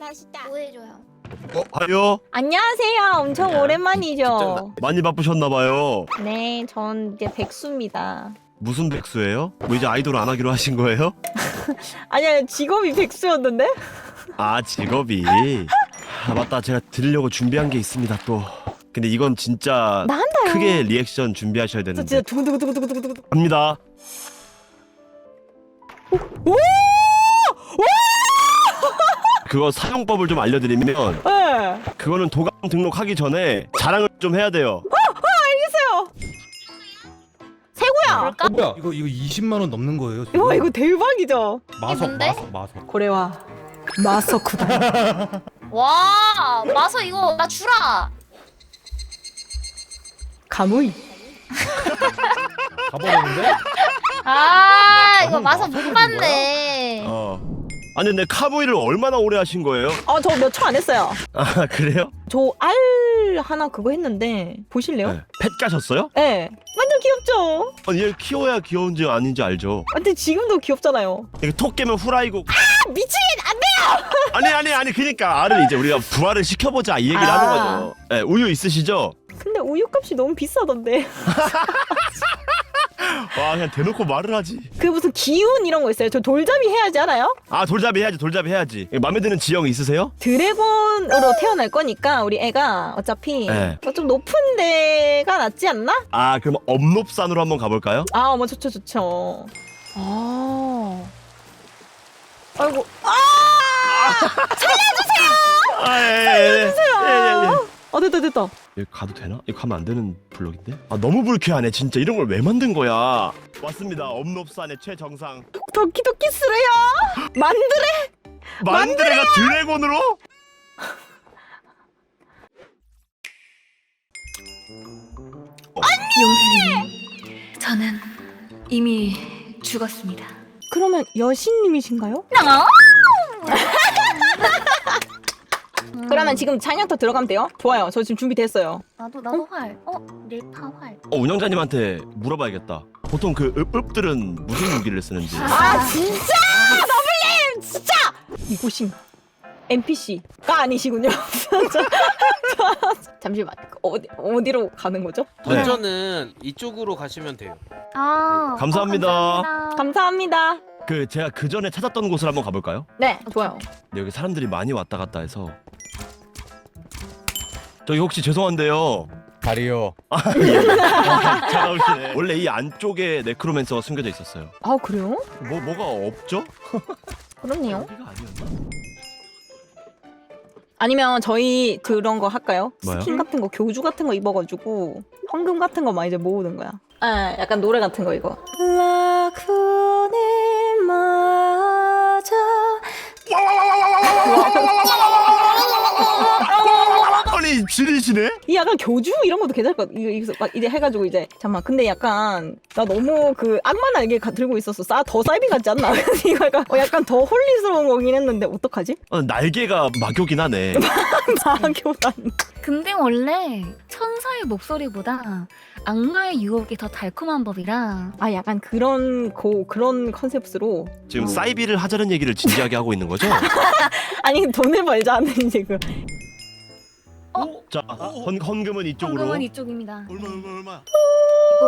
맛있다. 뭐 해줘요? 하요? 안녕하세요. 엄청 오랜만이죠. 많이 바쁘셨나봐요. 네, 전 이제 백수입니다. 무슨 백수예요? 뭐 이제 아이돌 안 하기로 하신 거예요? 아니야, 직업이 백수였는데? 아, 직업이. 아, 맞다. 제가 드리려고 준비한 게 있습니다, 또. 근데 이건 진짜 나 한다요. 크게 리액션 준비하셔야 저 되는데. 진짜 두구두구두구두구두구. 갑니다. 오! 그거 사용법을 좀 알려드리면 네. 그거는 도감 등록하기 전에 자랑을 좀 해야 돼요. 알겠어요. 세구야. 뭘까? 뭐야? 이거 20만 원 넘는 거예요? 지금? 와, 이거 대박이죠. 마석 뭔데? 마석. 고래와 마서쿠다. 와 마서 이거 나 주라. 가무이. 가버렸는데? 아 이거 마서 마석이 못 봤네. 아니 근데 카무이를 얼마나 오래 하신 거예요? 저 몇 초 안 했어요. 아, 그래요? 저 알 하나 그거 했는데 보실래요? 네. 펫 가셨어요? 네. 완전 귀엽죠? 아니 얘 키워야 귀여운지 아닌지 알죠? 근데 지금도 귀엽잖아요. 이게 톡 깨면 후라이고. 아, 미친! 안 돼요! 아니 그니까 알을 이제 우리가 부활을 시켜보자 이 얘기를 하는 거죠. 네, 우유 있으시죠? 근데 우유값이 너무 비싸던데. 와, 그냥 대놓고 말을 하지. 그 무슨 기운 이런 거 있어요? 저 돌잡이 해야지 알아요? 아, 돌잡이 해야지. 마음에 드는 지형 있으세요? 드래곤으로 태어날 거니까 우리 애가 어차피 네. 좀 높은 데가 낫지 않나? 아, 그럼 업롭산으로 한번 가볼까요? 아, 뭐 좋죠. 아, 아이고, 살려주세요. 아 됐다. 여기 가도 되나? 이거 가면 안 되는 블록인데? 아, 너무 불쾌하네. 진짜 이런 걸 왜 만든 거야? 왔습니다. 업롭산의 최정상. 도끼도끼스레야. 만드레. 만드레가 드래곤으로? 용사님, 저는 이미 죽었습니다. 그러면 여신님이신가요? 그러면 지금 찬양터 들어가면 돼요? 좋아요. 저 지금 준비됐어요. 나도 활. 릴파 활. 운영자님한테 물어봐야겠다. 보통 그 읍들은 무슨 무기를 쓰는지. 아 진짜 너블님 진짜 이곳인가? NPC가 아니시군요. 잠시만 어디로 가는 거죠? 네. 던전은 이쪽으로 가시면 돼요. 아 감사합니다. 감사합니다. 그 제가 그 전에 찾았던 곳을 한번 가볼까요? 네, 좋아요. 근데 여기 사람들이 많이 왔다 갔다 해서. 저기 혹시 죄송한데요. 다리요. 잘 나오시네. 원래 이 안쪽에 네크로맨서가 숨겨져 있었어요. 아 그래요? 뭐가 없죠? 그렇네요. 여기가 아니었나? 아니면 저희 그런 거 할까요? 뭐요? 스킨 같은 거 교주 같은 거 입어가지고 황금 같은 거 막 이제 모으는 거야. 아, 약간 노래 같은 거 이거. 라쿠네 맞아. 아니 지리시네? 이 약간 교주 이런 것도 괜찮을 것 같아. 이거 막 이제 해가지고 이제 잠만. 근데 약간 나 너무 그 악마 날개 들고 있었어. 더 사이비 같지 않나? 그래서 이거 약간 더 홀리스러운 거긴 했는데 어떡하지? 날개가 막요긴 하네. 마교단. 근데 원래 천사의 목소리보다 악마의 유혹이 더 달콤한 법이라. 아 약간 그런 컨셉으로. 지금 사이비를 하자는 얘기를 진지하게 하고 있는 거죠? 아니 돈을 벌자는 이제 그. 자, 헌금은 이쪽으로. 황금은 이쪽입니다. 얼마? 이거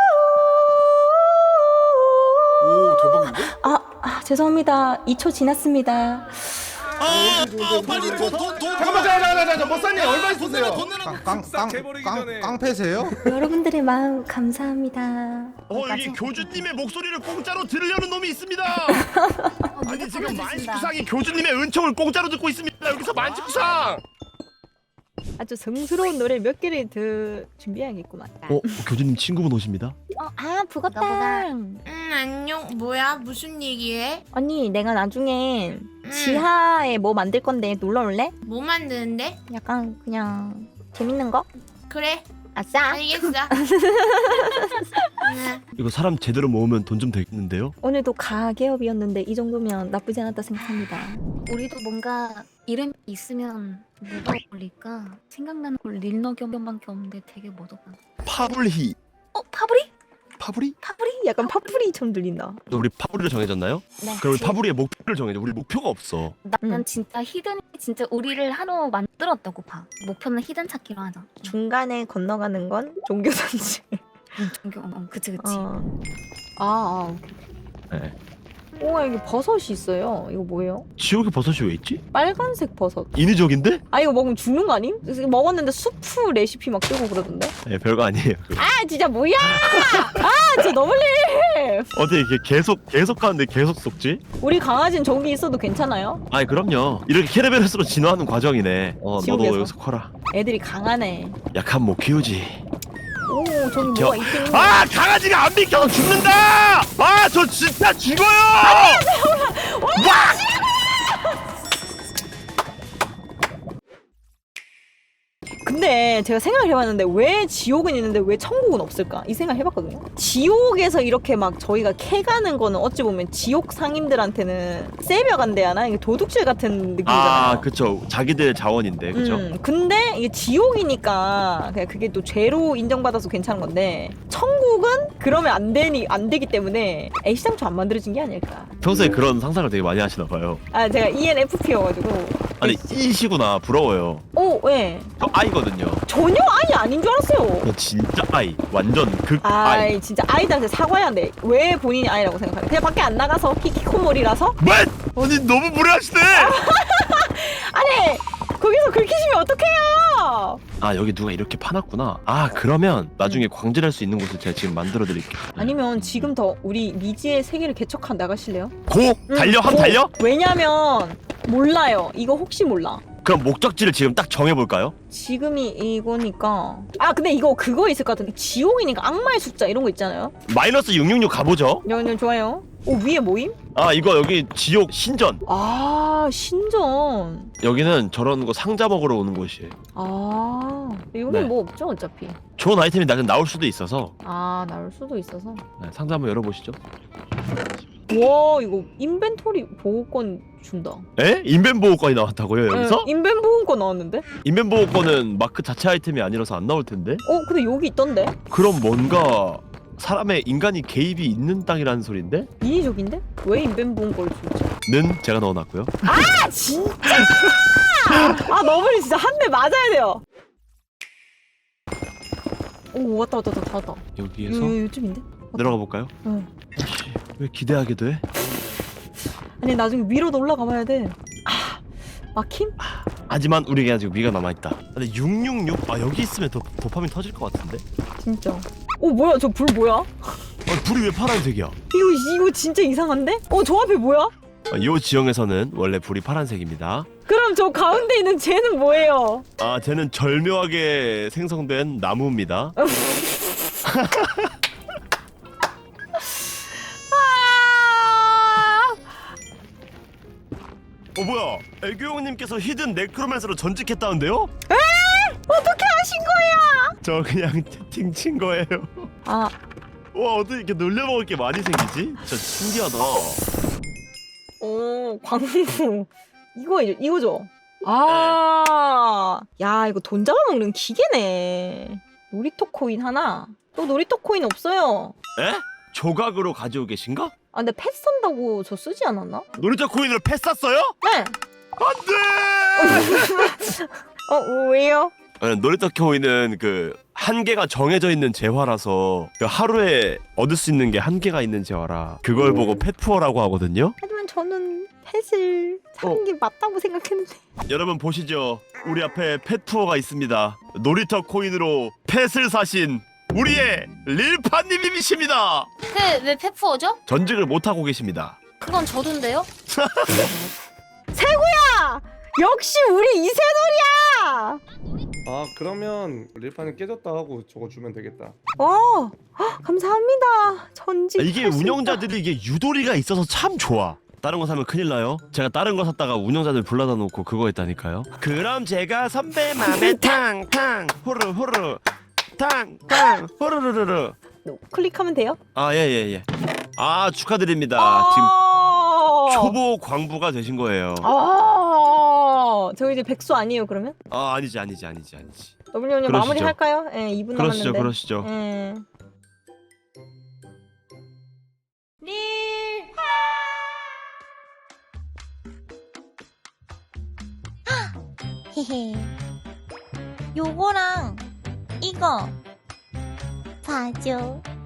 오 대박인데? 죄송합니다. 2초 지났습니다. 빨리 돈. 잠깐만, 머싸님 얼마 있으세요? 돈 내라. 싹 재버리기 전에. 깡패세요? 여러분들의 마음 감사합니다. 여기 교주님의 목소리를 공짜로 들으려는 놈이 있습니다. 아니 지금 만식구상이 교주님의 은총을 공짜로 듣고 있습니다. 여기서 만식구상. 아주 성스러운 노래 몇 개를 더 준비해야겠구만. 교주님 친구분 오십니다. 부겁당. 안녕. 뭐야? 무슨 얘기해? 언니 내가 나중에 지하에 뭐 만들 건데 놀러 올래? 뭐 만드는데? 약간 그냥 재밌는 거? 그래. 아싸. 알겠어. 응. 이거 사람 제대로 모으면 돈 좀 되겠는데요? 오늘도 가계업이었는데 이 정도면 나쁘지 않았다 생각합니다. 우리도 뭔가 이름이 있으면 뭐가 어울릴까 생각나는 걸 릴너겸밖에 없는데 되게 뭐더라. 파블히. 파브리? 파브리? 파브리? 약간 파프리처럼 들린다. 우리 파브리로 정해졌나요? 네. 그럼 우리 파브리의 목표를 정해줘. 우리 목표가 없어. 나는 진짜 히든이 진짜 우리를 하루 만들었다고 봐. 목표는 히든 찾기로 하자. 중간에 건너가는 건 종교 산책. 종교. 그치. 네. 우와 이게 버섯이 있어요. 이거 뭐예요? 지옥의 버섯이 왜 있지? 빨간색 버섯. 인위적인데? 아 이거 먹으면 죽는 거 아님? 그래서 먹었는데 수프 레시피 막 뜨고 그러던데. 네, 별거 아니에요. 아 진짜 뭐야? 아 진짜 너무해. 어떻게 이게 계속 가는데 계속 속지? 우리 강아지는 저기 있어도 괜찮아요? 아니 그럼요. 이렇게 캐르베로스로 진화하는 과정이네. 너도 지옥에서. 여기서 커라. 애들이 강하네. 약한 못 키우지. 오 저기 저- 뭐가 있긴. 아 강아지가 안 비켜서 죽는다! 아 저 진짜 죽어요! 근데 제가 생각을 해봤는데 왜 지옥은 있는데 왜 천국은 없을까? 이 생각 해봤거든요. 지옥에서 이렇게 막 저희가 캐가는 거는 어찌 보면 지옥 상인들한테는 세벼간대 하나 이게 도둑질 같은 느낌이잖아요. 아 그쵸. 자기들 자원인데 그죠? 근데 이게 지옥이니까 그냥 그게 또 죄로 인정받아서 괜찮은 건데 천국은 그러면 안 되기 때문에 애시당초 안 만들어진 게 아닐까. 평소에 그런 상상을 되게 많이 하시나 봐요. 아 제가 ENFP여가지고. 아니 이시구나. 부러워요. 오 왜? 저 아이거든요. 전혀 아이 아닌 줄 알았어요. 저 진짜 아이. 완전 극 아이. 아이 진짜 아이들한테 사과해야 돼. 왜 본인이 아이라고 생각하냐? 그냥 밖에 안 나가서 히키코모리라서? 뭐? 아니 너무 무례하시네. 아니 거기서 긁히시면 어떡해요? 아 여기 누가 이렇게 파놨구나. 아 그러면 나중에 광질할 수 있는 곳을 제가 지금 만들어 드릴게요. 아니면 지금 더 우리 미지의 세계를 개척한 나가실래요? 고! 달려! 한번 달려? 왜냐면 몰라요. 이거 혹시 몰라. 그럼 목적지를 지금 딱 정해볼까요? 지금이 이거니까. 아 근데 이거 그거 있을 것 같은데 지옥이니까 악마의 숫자 이런 거 있잖아요. 마이너스 666 가보죠. 네, 좋아요. 오 위에 모임? 아 이거 여기 지옥 신전. 아 신전. 여기는 저런 거 상자 먹으러 오는 곳이에요. 아 여기 네. 뭐 없죠 어차피. 좋은 아이템이 나올 수도 있어서 아 나올 수도 있어서. 네, 상자 한번 열어보시죠. 와 이거 인벤토리 보호권 준다. 에? 인벤 보호권이 나왔다고요 여기서? 네, 인벤 보호권 나왔는데? 인벤 보호권은 마크 자체 아이템이 아니라서 안 나올 텐데? 근데 여기 있던데? 그럼 뭔가 사람의 인간이 개입이 있는 땅이라는 소린데? 인위적인데? 왜 인벤 보호권을 주지? 는 제가 넣어놨고요. 아 진짜! 아 너블이 진짜 한 대 맞아야 돼요. 오 왔다. 여기에서 요즘인데? 내려가 볼까요? 응. 씨, 왜 기대하게 돼? 아니 나중에 위로도 올라가 봐야 돼. 아 막힘? 하지만 우리에게 아직 위가 남아있다. 근데 666? 아 여기 있으면 더 도파민 터질 것 같은데? 진짜. 오 뭐야 저 불 뭐야? 불이 왜 파란색이야? 이거 진짜 이상한데? 저 앞에 뭐야? 이 지형에서는 원래 불이 파란색입니다. 그럼 저 가운데 있는 쟤는 뭐예요? 아 쟤는 절묘하게 생성된 나무입니다. 뭐야? 애교용님께서 히든 네크로맨서로 전직했다는데요? 에? 어떻게 아신 거야? 저 그냥 채팅 친 거예요. 아 와 어떻게 이렇게 놀려먹을 게 많이 생기지? 진짜 신기하다. 오 광부 이거죠. 아, 야 이거 돈 잡아먹는 기계네. 놀이터 코인 하나. 또 놀이터 코인 없어요. 에? 조각으로 가지고 계신가? 아 근데 펫 산다고 저 쓰지 않았나? 놀이터 코인으로 패 쌌어요? 네. 안돼! 왜요? 놀이터 코인은 그 한계가 정해져 있는 재화라서 그 하루에 얻을 수 있는 게 한계가 있는 재화라 그걸 보고 펫푸어라고 하거든요. 하지만 저는 펫을 사는 게 맞다고 생각했는데. 여러분 보시죠. 우리 앞에 펫푸어가 있습니다. 놀이터 코인으로 펫을 사신 우리의 릴파님이십니다. 왜 페푸어죠? 전직을 못하고 계십니다. 그건 저도인데요? 세구야! 역시 우리 이세돌이야! 아 그러면 릴파는 깨졌다 하고 저거 주면 되겠다. 감사합니다. 전직. 이게 할수 있다. 운영자들이 이게 유도리가 있어서 참 좋아. 다른 거 사면 큰일 나요. 제가 다른 거 샀다가 운영자들 불러다 놓고 그거 했다니까요. 그럼 제가 선배 맘에 탕탕 호르호르 탕탕 호르르르르. 클릭하면 돼요? 아 예예예. 아 축하드립니다. 지금 초보 광부가 되신 거예요. 저 이제 백수 아니에요 그러면? 아 아니지. 더블유님 마무리 할까요? 예, 2분 그러시죠 남았는데. 그러시죠. 예. 헤헤. 요거랑 이거 봐줘.